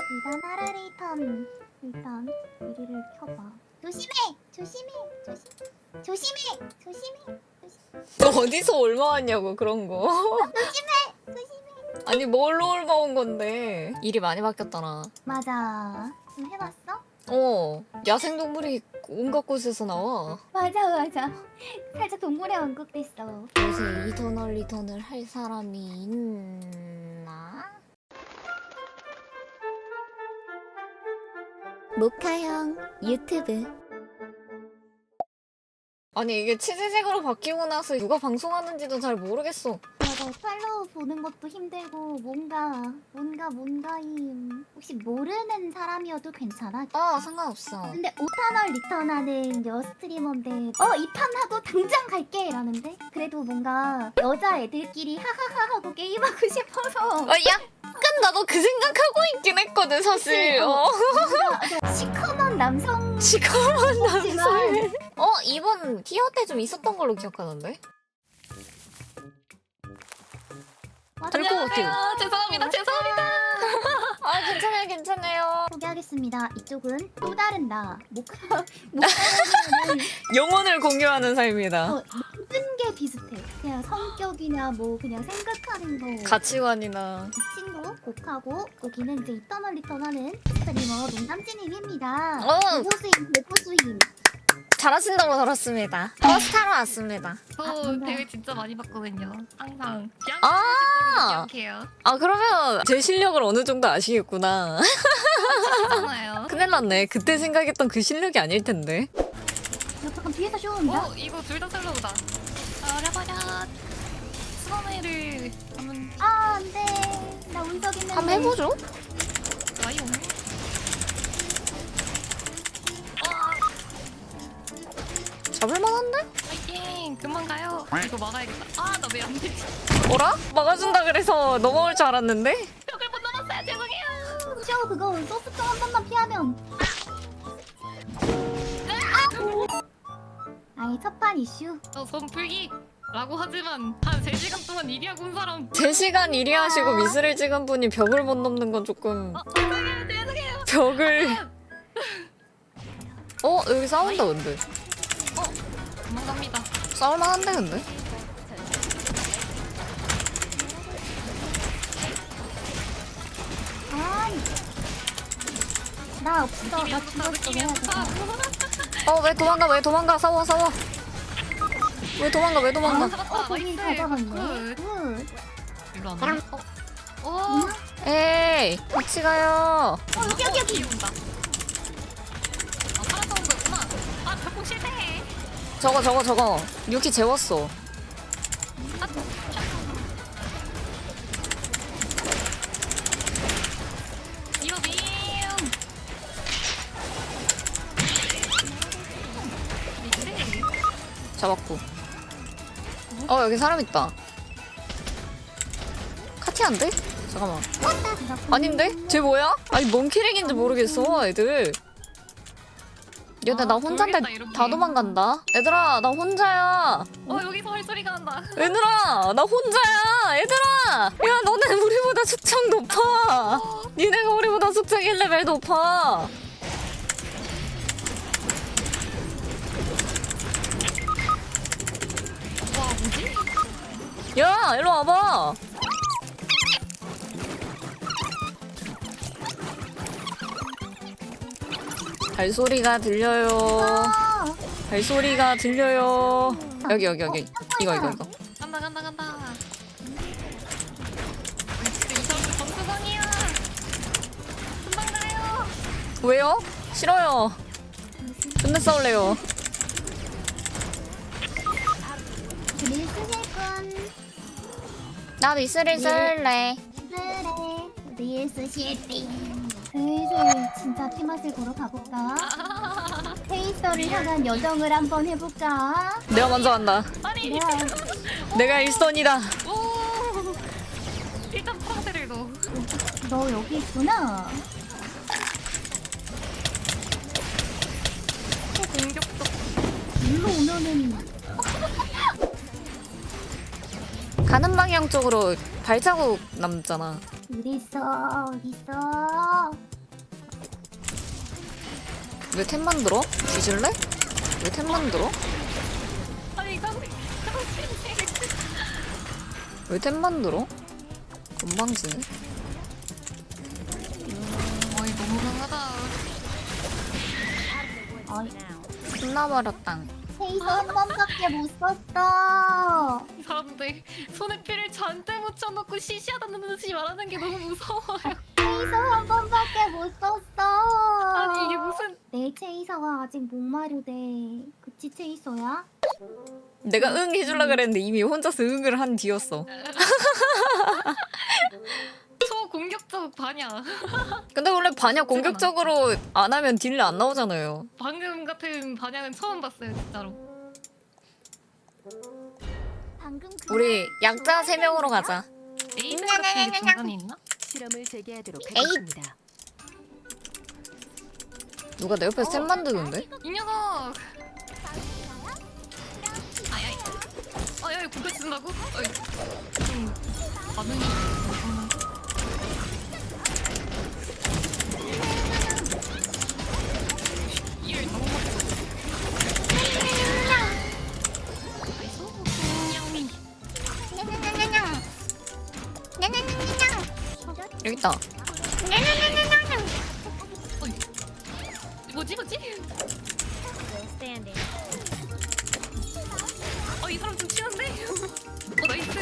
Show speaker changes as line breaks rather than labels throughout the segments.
일단 하라레이턴 일단 유리를 켜봐. 조심해! 조심해! 조심해! 조심해!
너 어디서 올마왔냐고 그런 거.
조심해!
아니 뭘로 올마온 건데. 일이 많이 바뀌었잖아.
맞아. 좀 해봤어?
야생동물이 온갖 곳에서 나와.
맞아. 살짝 동물의 왕국 됐어.
요새 이터널 리턴을 할 사람이 있나?
모카형 유튜브.
아니 이게 치즈색으로 바뀌고 나서 누가 방송하는지도 잘 모르겠어.
맞아. 팔로우 보는 것도 힘들고 뭔가임. 혹시 모르는 사람이어도 괜찮아?
상관없어.
근데 5탄을 리턴하는 스트리머인데 이 판 하고 당장 갈게 라는데 그래도 뭔가 여자 애들끼리 하하하 하고 게임하고 싶어서
약간 나도 그 생각하고 있긴 했거든 사실.
뭔가 시커먼 남성
시커먼
남성.
남성. 이번 티어 때 좀 있었던 걸로 기억하는데? 될 것 같아요.
죄송합니다.
괜찮아요.
소개하겠습니다. 이쪽은 또 다른 나 모카는
영혼을 공유하는 삶이다.
모든 게 비슷해. 그냥 성격이나 뭐 그냥 생각하는 거.
가치관이나.
이 친구 곡하고 여기는 이제 이터널 리턴하는 스트리머 농담진님입니다. 대포수임.
잘하신다고 들었습니다. 버스타러 왔습니다.
저
뭔가.
대회 진짜 많이 봤거든요. 항상
아!
기억해요.
그러면 제 실력을 어느 정도 아시겠구나.
괜찮아요.
큰일 났네. 그때 생각했던 그 실력이 아닐 텐데.
잠깐 뒤에서 쇼온다.
이거 둘 다 셀러보다. 버려. 수건회를 한번
안돼. 나 운석 있는데.
한번 해보죠.
와요.
잡을만한데?
파이팅. 금방 가요. 이거 막아야겠다. 나 왜 안 되지?
뭐라? 막아준다 그래서 넘어올 줄 알았는데?
벽을 못 넘었어요. 죄송해요.
쇼 그거 소스통 한 번만 피하면. 아니 첫판 이슈.
저 손풀기라고 하지만 한 3시간 동안 일하고 온 사람.
3시간 일이 하시고 미스를 찍은 분이 벽을 못 넘는 건 조금...
죄송해요.
벽을... 여기 싸운다 근데.
도망갑니다.
싸울만한데 근데?
아이. 나 없어. 나
느낌이
죽었어.
느낌이
해야
안
돼.
좋다.
왜 도망가 싸워 왜 도망가
거기
나이스.
가져갔네.
굿.
굿.
일로 안 와? 오.
에이 같이 가요.
여기.
온다. 살아서 온 거구나. 결국 실패해.
저거 유키 재웠어.
이거 빔.
잡았고. 여기 사람 있다. 카티안데? 잠깐만. 아닌데? 쟤 뭐야? 아니 뭔 캐릭인지 모르겠어 애들. 얘들 나 혼자인데
모르겠다, 이렇게.
다 도망간다. 얘들아 나 혼자야.
여기서 헐소리가 난다.
얘들아 나 혼자야. 얘들아 야 너네 우리보다 숙청 높아. 니네가 우리보다 숙청 1레벨 높아.
와, 뭐지?
야 일로 와봐. 발소리가 들려요. 발소리가 들려요. 여기 이거
간다. 진짜 이 사람 정수성이야. 금방 가요.
왜요? 싫어요. 존나 싸울래요.
릴 쓰실 분.
나 미스를 쓸래.
그래. 릴 쓰실 분. 슬슬 진짜 피맛을 보러 가볼까? 페이서를 향한 여정을 한번 해볼까?
내가 먼저 간다.
아니,
내가 일선이다.
오. 일단 파란색을 넣어.
너 여기 있구나.
공격도.
일로 오면은
가는 방향 쪽으로 발자국 남잖아.
어딨어?
왜 템 만들어? 뒤질래? 왜 템 만들어?
아니 이거
왜 템 만들어? 건방지네.
어이 너무 강하다.
어이,
끝나버렸당.
페이서 한 번밖에 못 썼어.
이 사람들 손에 피를 잔뜩 묻혀놓고 시시하다는 듯이 말하는 게 너무 무서워요.
페이서 한 번밖에 못 썼어.
아니 이게 무슨
내 체이서가 아직 목마르대. 그치 체이서야?
내가 응 해줄라 그랬는데 이미 혼자서 응을 한 뒤였어.
초공격적 반야.
근데 원래 반약 공격적으로 안 하면 딜레 안 나오잖아요.
방금 같은 반야는 처음 봤어요 진짜로.
방금
우리 약자 3명으로 가자.
에이드 같은 게 중간에 있나?
실험을 재개하도록
에잇.
하겠습니다.
누가 내 옆에서 템 만드는데?
이 녀석. 아야이. 아야이 공격 쓴다고? 어이. 반응이 엄청난. 이를 너무 먹고. 냥밍.
여기 있다.
어이. 뭐지? 이 사람 좀 치는데? 나이스.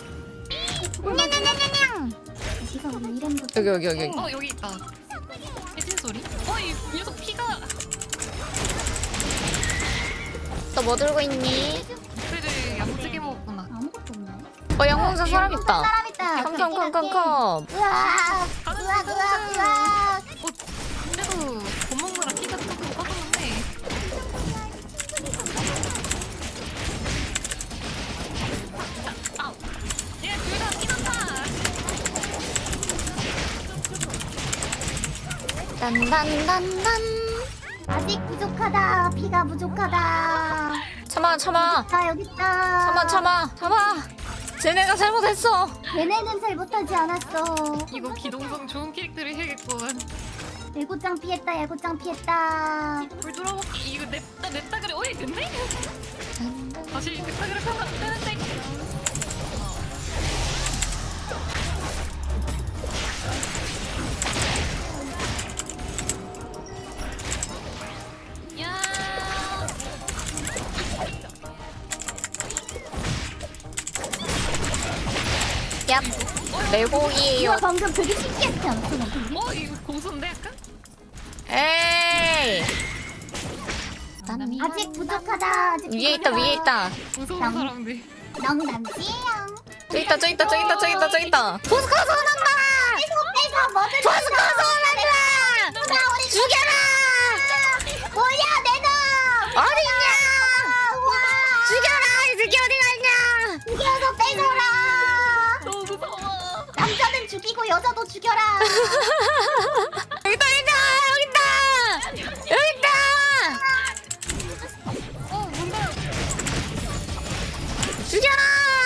지금 우리 이름부터
여기.
여기 있다. 해진 소리? 이 녀석 피가.
너 뭐 들고 있니?
그래도 야무지게 먹었구나.
아무것도 없네.
양궁사 사람 있다.
사람 있다.
컴컴컴컴컴.
으악! 으악!
그래도 밥 먹느라 피가 조금 꺼졌는데. 아우. 얘 둘 다 피난다.
딴딴딴딴.
아직 부족하다. 피가 부족하다.
참아.
나 여기 있다.
참아. 쟤네가 잘못했어.
걔네는 잘못하지 않았어.
이거 기동성 좋은 캐릭터를 해야겠구만.
예고장 피했다. 예고장 피했다.
물 돌아먹기. 이거 냅다 그래. 어이 됐네? 다시 냅다 그래 하면 안 되는데. 야.
얍. 내곡이에요.
이거 방금 되게 신기했지 않았어?
이거 고수인데 약간?
에이.
아직 부족하다. 아직
위에 있다.
무서운
양.
사람들.
영남지영.
저기 있다. 포스코 소난다.
계속 뭐든
포스코 소난다.
누나 우리
죽여라.
뭐야 내 놈.
어디냐?
와.
죽여라. 이 새끼 어디 갔냐?
죽여서 빼줘라.
너무 무서워.
남자는 죽이고 여자도 죽여라.
여기 있다.
뭔가
죽여라.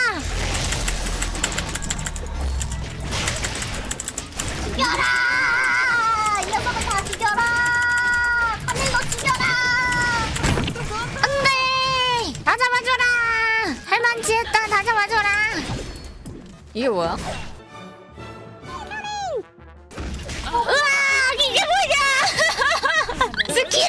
죽여라. 이 녀석을 다 죽여라. 하늘로 죽여라.
안돼. 다 잡아줘라. 할만치했다. 다 잡아줘라. 이게 뭐야? 으악! 이게 뭐냐? 스킬을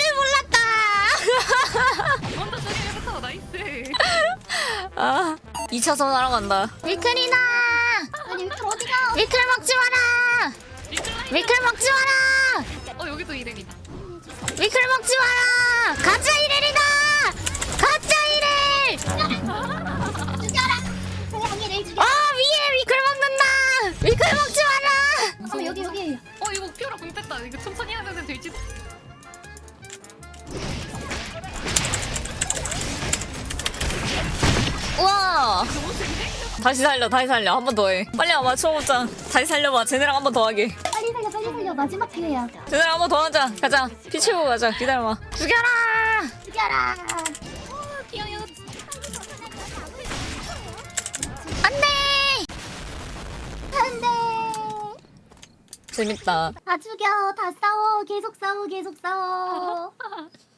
몰랐다.
먼저 저기부터 나이스.
아, 2차선 하러 간다. 위클이다.
아니 위클 어디가?
위클 먹지 마라. 위클 먹지 마라.
여기도 이름이다.
위클 먹지 마라. 가짜 이렐이다. 가짜 이렐.
죽여라. 고양이를 죽여.
위에 위클 먹는다. 위클 먹지 마라.
여기.
이거 피오라 공 뺐다. 이거 천천히 하면 될지도.
우와.
너무 센데?
다시 살려. 한 번 더 해. 빨리 와봐, 초보장. 다시 살려봐. 쟤네랑 한 번 더 하게.
빨리 살려. 마지막 기회야.
쟤네랑 한 번 더 하자. 가자. 피 채우고 가자. 기다려봐. 죽여라.
죽여라.
귀여워.
안돼.
안돼.
재밌다.
다 죽여 다 싸워 계속 싸워 계속 싸워